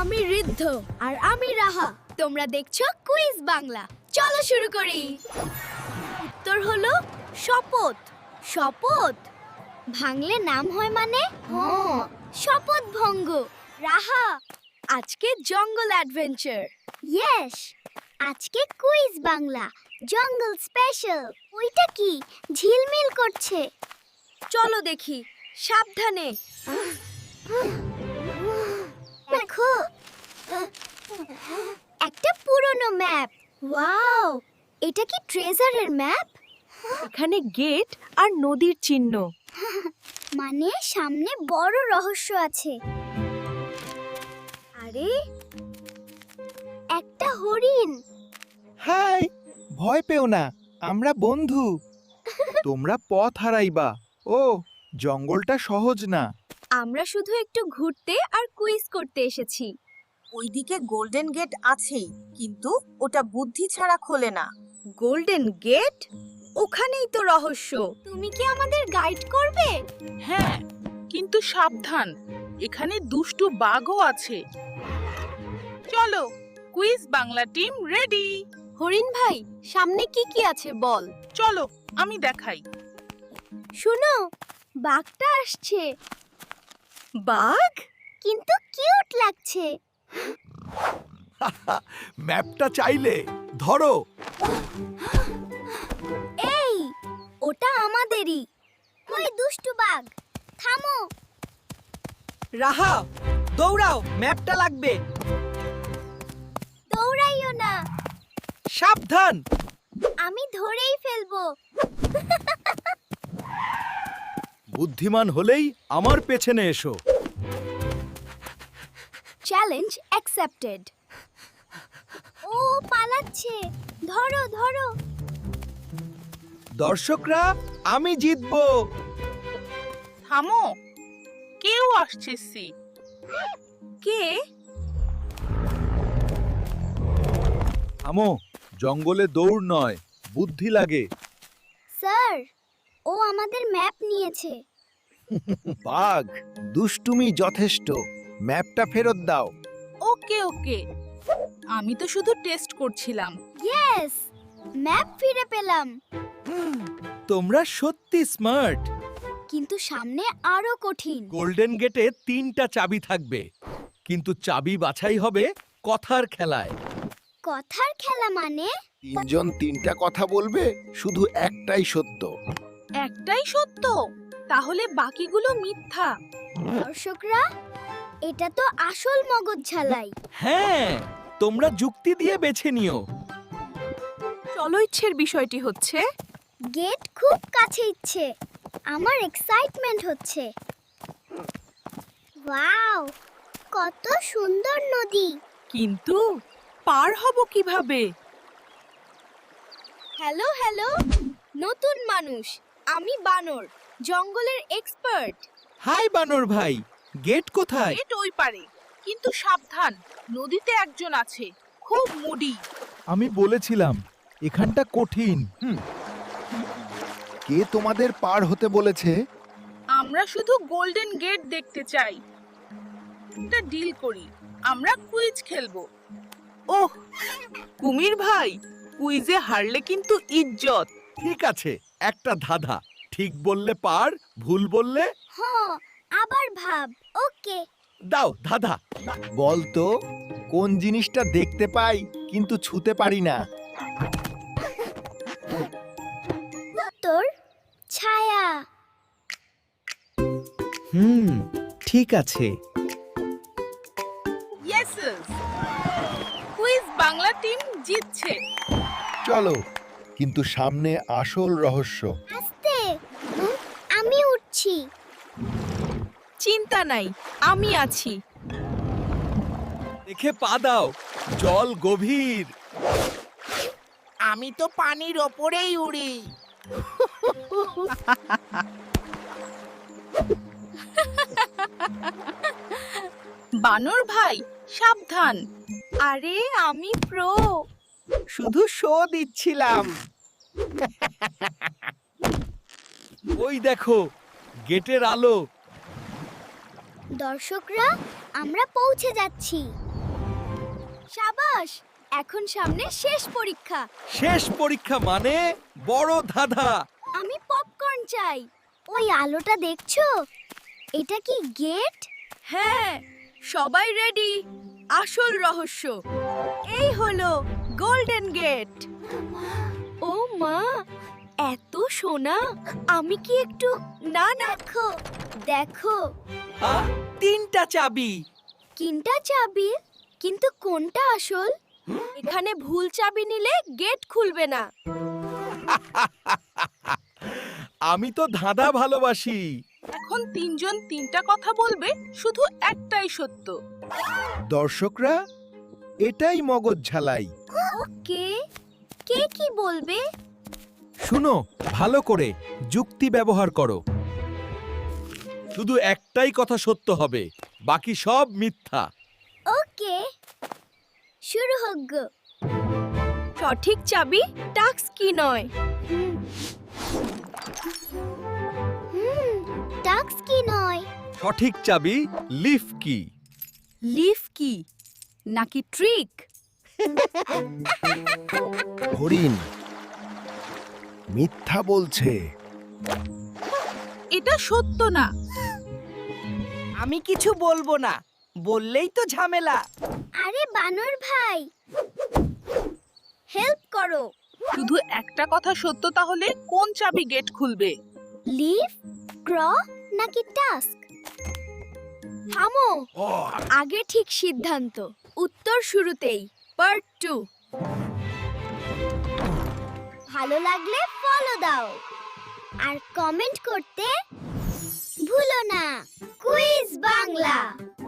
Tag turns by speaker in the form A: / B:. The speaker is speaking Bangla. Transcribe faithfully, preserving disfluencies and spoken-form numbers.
A: আমি ঋদ্ধ আর আমি রাহা। তোমরা দেখছো কুইজ বাংলা। চলো শুরু করি। উত্তর হলো শপথ। শপথ ভাঙলে নাম হয় মানে? হ্যাঁ, শপথ ভঙ্গ। রাহা, আজকে জঙ্গল অ্যাডভেঞ্চার। ইয়েস, আজকে কুইজ বাংলা জঙ্গল স্পেশাল। ওইটা কি ঝিলমিল করছে? চলো দেখি। সাবধানে। দেখো, একটা পুরনো ম্যাপ। ওয়াও, এটা কি ট্রেজারের ম্যাপ?
B: এখানে গেট আর নদীর চিহ্ন।
A: মানে সামনে বড় রহস্য আছে। আরে, একটা হরিণ।
C: হাই, ভয় পেও না, আমরা বন্ধু। তোমরা পথ হারাইবা। ও, জঙ্গলটা সহজ না।
A: আমরা শুধু একটু ঘুরতে আর কুইজ করতে এসেছি।
B: ওইদিকে গোল্ডেন গেট আছেই, কিন্তু ওটা বুদ্ধি ছাড়া খোলে না।
A: Golden gate? ওখানেই তো রহস্য। তুমি কি আমাদের গাইড করবে?
D: হ্যাঁ, কিন্তু সাবধান, এখানে দুষ্টু বাঘও আছে। চলো, কুইজ বাংলা টিম রেডি।
A: হরিণ ভাই, সামনে কি কি আছে বল।
D: চলো, আমি দেখাই।
A: শোনো, বাঘটা আসছে।
B: বাঘ?
A: কিন্তু কিউট লাগছে।
C: ম্যাপটা চাইলে ধরো।
A: এই, ওটা আমাদেরই। ওই দুষ্টু বাঘ, থামো।
B: রাহা, দৌড়াও, ম্যাপটা লাগবে।
A: দৌড়াইও না,
B: সাবধান।
A: আমি ধরেই ফেলবো।
C: বুদ্ধিমান হলেই আমার পেছনে এসো।
A: Challenge accepted. ও পালাচ্ছে, ধরো ধরো।
C: দর্শকরা, আমি জিতবো।
D: থামো, কেউ আসছে। সি
A: কে?
C: থামো, জঙ্গলে দৌড় নয়, বুদ্ধি লাগে।
A: স্যার, ও আমাদের ম্যাপ নিয়েছে।
C: বাঘ, দুষ্টুমি যথেষ্ট। ম্যাপটা ফেরত দাও।
D: ওকে ওকে, আমি তো শুধু টেস্ট করছিলাম।
A: ইয়েস, ম্যাপ ফিরে পেলাম।
C: তোমরা সত্যি স্মার্ট।
A: কিন্তু সামনে আরো কঠিন।
C: গোল্ডেন গেটে তিনটা চাবি থাকবে, কিন্তু চাবি বাছাই হবে কথার খেলায়।
A: কথার খেলা মানে?
E: তিনজন তিনটা কথা বলবে, শুধু একটাই সত্য।
D: একটাই সত্য, তাহলে বাকিগুলো মিথ্যা।
A: দর্শকরা, এটা তো আসল মগজ ঝালাই।
C: হ্যাঁ, তোমরা যুক্তি দিয়ে বেছে নিও।
B: চলো, ইচ্ছের বিষয়টি হচ্ছে
A: গেট খুব কাছে ইচ্ছে। আমার এক্সাইটমেন্ট হচ্ছে। ওয়াও, কত সুন্দর নদী।
B: কিন্তু পার হব কিভাবে?
A: হ্যালো হ্যালো, নতুন মানুষ। আমি বানর, জঙ্গলের এক্সপার্ট।
C: হাই বানর ভাই, গেট কোথায়?
D: গেট ওই পারে, কিন্তু সাবধান, নদীতে একজন আছে, খুব মুডি।
C: আমি বলেছিলাম এখানটা কঠিন।
E: কে তোমাদের পার হতে বলেছে?
D: আমরা শুধু গোল্ডেন গেট দেখতে চাই। একটা ডিল করি, আমরা কুইজ খেলবো।
B: ওহ, কুমির ভাই, কুইজে হারলে কিন্তু ইজ্জত।
C: ঠিক আছে, একটা ধাঁধা। ঠিক বললে পার, ভুল বললে
A: হ, আবার ভাব। ওকে।
C: দাও ধাঁধা।
E: বলতো, কোন জিনিসটা দেখতে পাই কিন্তু ছুতে পারি না?
A: উত্তর ছায়া।
C: হুম, ঠিক আছে।
D: ইয়েস, কুইজ বাংলা টিম জিতছে।
E: চলো, কিন্তু সামনে আসল রহস্য।
A: আস্তে, হুম, আমি উঠছি।
B: চিন্তা নাই, আমি আছি।
C: দেখে পা দাও, জল গভীর।
D: আমি তো পানির ওপরেই উড়ি। বানর ভাই, সাবধান।
A: আরে, আমি প্রো।
B: শুধু শো দিচ্ছিলাম।
C: ওই দেখো, গেটের আলো।
A: দর্শকরা, আমরা পৌঁছে যাচ্ছি। সাবাস, এখন সামনে শেষ পরীক্ষা।
E: শেষ পরীক্ষা মানে বড় ধাঁধা।
A: আমি পপকর্ন চাই। ওই আলোটা দেখছো? এটা কি গেট?
D: হ্যাঁ, সবাই রেডি। আসল রহস্য এই হলো গোল্ডেন গেট।
A: ও মা, এত সোনা! আমি কি একটু না দেখো দেখো
E: আহ, তিনটা চাবি।
A: তিনটা চাবি, কিন্তু কোনটা আসল?
D: এখানে ভুল চাবি নিলে গেট খুলবে না।
E: আমি তো ধাঁধা ভালোবাসি।
D: এখন তিনজন তিনটা কথা বলবে, শুধু একটাই সত্য।
C: দর্শকরা, এটাই মগজ ঝালাই।
A: কে কে কি বলবে?
E: শুনো ভালো করে, যুক্তি ব্যবহার করো। শুধু একটাই কথা সত্য হবে, বাকি সব মিথ্যা।
A: ওকে, শুরু হোক গো।
D: সঠিক চাবি টাক্স কি নয়।
A: হুম, টাক্স কি নয়?
E: সঠিক চাবি লিফ কি।
D: লিফ কি নাকি ট্রিক?
C: হরিণ মিথ্যা বলছে।
D: এটা সত্য না।
F: আমি কিছু বলবো না, বললেই তো ঝামেলা।
A: আরে বানর ভাই, হেল্প করো।
D: শুধু একটা কথা সত্য, তাহলে কোন চাবি গেট খুলবে?
A: লিফ, ক্র নাকি টাস্ক? থামো, আগে ঠিক সিদ্ধান্ত। উত্তর শুরুতেই। Part two. ভালো লাগলে ফলো দাও আর কমেন্ট করতে ভুলো না। কুইজ বাংলা।